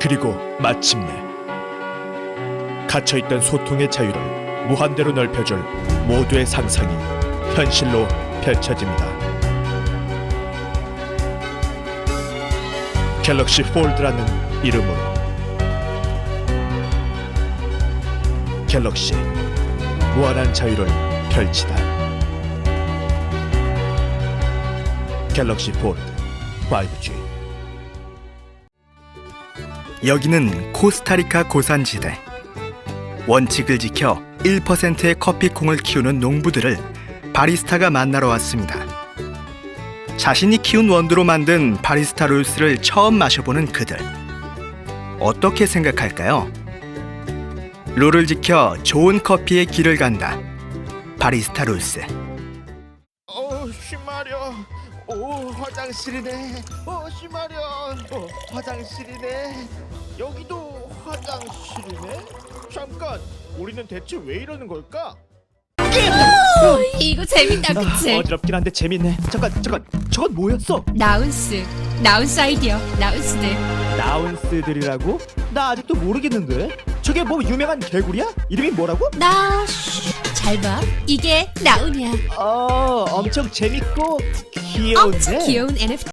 그리고 마침내 갇혀있던 소통의 자유를 무한대로 넓혀줄 모두의 상상이 현실로 펼쳐집니다. 갤럭시 폴드라는 이름으로 갤럭시 무한한 자유를 펼치다. 갤럭시 폴드 5G. 여기는 코스타리카 고산지대. 원칙을 지켜 1%의 커피콩을 키우는 농부들을 바리스타가 만나러 왔습니다. 자신이 키운 원두로 만든 바리스타 롤스를 처음 마셔보는 그들. 어떻게 생각할까요? 룰을 지켜 좋은 커피의 길을 간다. 바리스타 롤스. 쉬마려. 오, 화장실이네. 쉬마려. 화장실이네. 여기도 화장실이네. 잠깐, 우리는 대체 왜 이러는 걸까? 이거 재밌다, 그치? 어지럽긴 한데 재밌네. 잠깐, 저건 뭐였어? 나운스 아이디어, 나운스들. 나운스들이라고? 나 아직도 모르겠는데. 저게 뭐 유명한 개구리야? 이름이 뭐라고? 잘 봐. 이게 나운이야. 엄청 재밌고 귀여운데. 엄청 귀여운 NFT.